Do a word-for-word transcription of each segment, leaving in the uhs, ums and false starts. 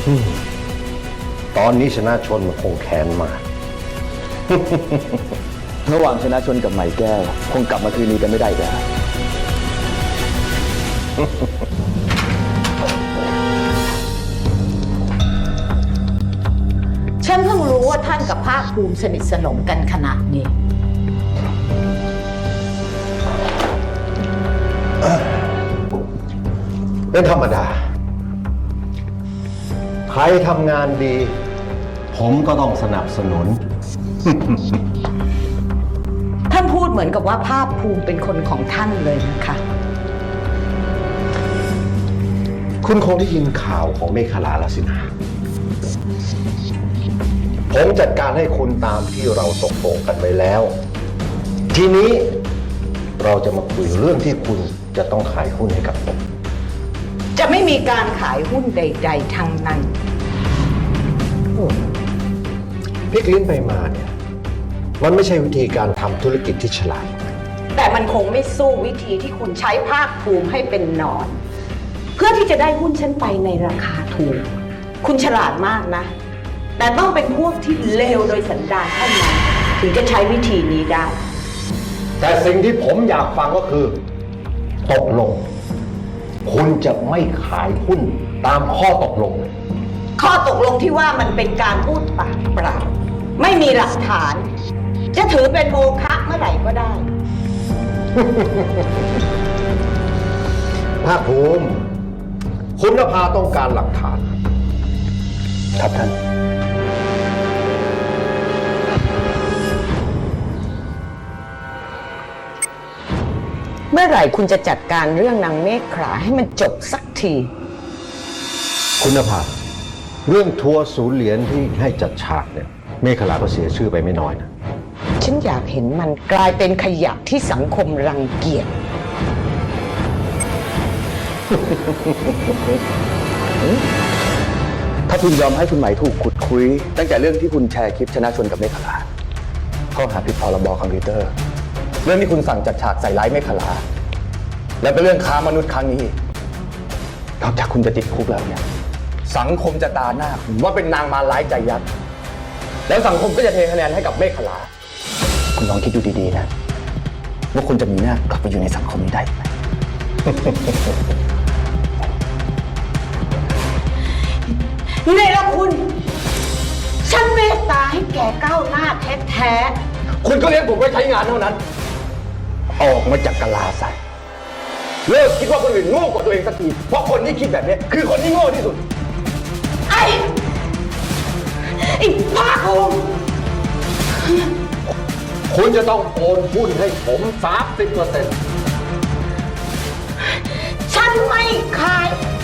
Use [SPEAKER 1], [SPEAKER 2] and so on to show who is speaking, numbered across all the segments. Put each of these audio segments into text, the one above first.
[SPEAKER 1] ตอนนี้ชนะชนมันคงแค้นมาก
[SPEAKER 2] ระหว่างชนะชนกับไหมแก้วคงกลับมาคืนนี้กันไม่ได้แล้ว
[SPEAKER 3] ฉันเพิ่งรู้ว่าท่านกับภาคภูมิสนิทสนมกันขนาดนี้
[SPEAKER 1] เป็นธรรมดา ใครทำงานดี ผมก็ต้องสนับสนุน
[SPEAKER 3] ท่านพูดเหมือนกับว่าภาคภูมิเป็นคนของท่านเลยนะคะ
[SPEAKER 1] คุณคงได้ยินข่าวของเมฆลาแล้วสินะ ผมจัดการให้คุณตามที่เราตกลงกันไว้แล้ว ทีนี้เราจะมาคุยเรื่องที่คุณจะต้องขายหุ้นให้กับผม
[SPEAKER 3] จะไม่มีการขายหุ้นใดๆทั้งนั้น
[SPEAKER 1] พลิกลิ้นไปมาเนี่ย มันไม่ใช่วิธีการทำธุรกิจที่ฉลาด
[SPEAKER 3] แต่มันคงไม่สู้วิธีที่คุณใช้ภาคภูมิให้เป็นหนอน เพื่อที่จะได้หุ้นฉันไปในราคาถูก คุณฉลาดมากนะ แต่ต้องเป็นพวกที่เลวโดยสันดานเท่านั้นถึงจะใช้วิธีนี้ได้
[SPEAKER 1] แต่สิ่งที่ผมอยากฟังก็คือ ตกลง คุณจะไม่ขายหุ้นตามข้อตกลง
[SPEAKER 3] ข้อตกลงที่ว่ามันเป็นการพูดปากเปล่าไม่มีหลักฐาน จะถือเป็นโมฆะเมื่อไหร่ก็ได้
[SPEAKER 1] ภาคภูมิ คุณนภาต้องการหลักฐาน
[SPEAKER 2] ครับท่าน
[SPEAKER 3] เมื่อไหร่คุณจะจัดการเรื่องนางเมฆขลาให้มันจบสักที
[SPEAKER 1] คุณนภาเรื่องทัวร์ศูนย์เหรียญที่ให้จัดฉากเนี่ย เมฆลาก็เสียชื่อไปไม่น้อยนะ
[SPEAKER 3] ฉันอยากเห็นมันกลายเป็นขยะที่สังคมรังเกียจ
[SPEAKER 2] ถ้าคุณยอมให้คุณไหมถูกขุดคุยตั้งแต่เรื่องที่คุณแชร์คลิปชนะชนกับเมฆลาข้อหาผิดพรบคอมพิวเตอร์ เรื่องที่คุณสั่งจัดฉากใส่ร้ายเมฆลาแล้วก็เรื่องค้ามนุษย์ครั้งนี้นอกจากคุณจะติดคุกแล้วเนี่ยสังคมจะตาหน้าคุณว่าเป็นนางมารร้ายใจยักษ์แล้วสังคมก็จะเทคะแนนให้กับเมฆลาคุณลองคิดดูดีๆนะว่าคุณจะมีหน้ากลับไปอยู่ในสังคมนี้ได้ไหม
[SPEAKER 3] นี่ละคุณ ฉันเมตตาให้แกก้าวหน้าแท้ๆ
[SPEAKER 2] คุณก็เลี้ยงผมไว้ใช้งานเท่านั้น ออกมาจากกะลาใส่เลิกคิดว่าคนอื่นโง่กว่าตัวเองสักที เพราะคนที่คิดแบบนี้คือคนที่โง่ที่สุด
[SPEAKER 3] ไอ้ไอ้ภาคภูมิ
[SPEAKER 1] คุณจะต้องโอนหุ้นให้ผมสามสิบเปอร์เซ็นต์
[SPEAKER 3] ฉันไม่ขาย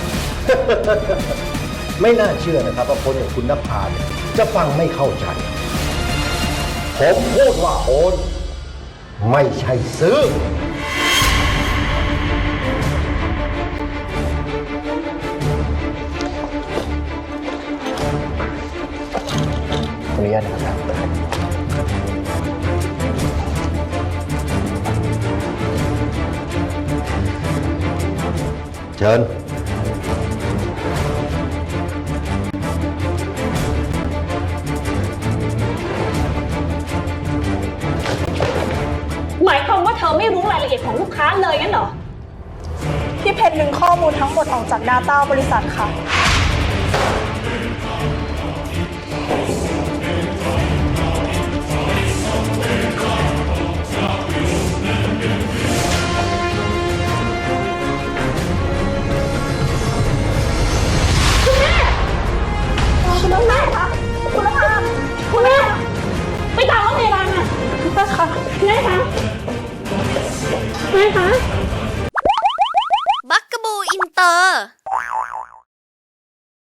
[SPEAKER 1] ไม่น่าเชื่อนะครับว่าคนอย่างคุณนภาเนี่ยจะฟังไม่เข้าใจ ผมพูดว่าโอนไม่ใช่ซื้อ
[SPEAKER 2] ขออนุญาตนะครับ
[SPEAKER 1] เชิญ
[SPEAKER 4] หมายความว่าเธอไม่รู้รายละเอียดของลูกค้าเลยงั้นเหรอ
[SPEAKER 5] พี่เพชรดึงข้อมูลทั้งหมดออกจาก Data บริษัทค่ะ
[SPEAKER 4] คุณแม่คะคุณแม่คุณแม่ไปตามรถพยาบาลมา
[SPEAKER 5] พี่เพชรค่ะ
[SPEAKER 4] แม่คะแม่คะ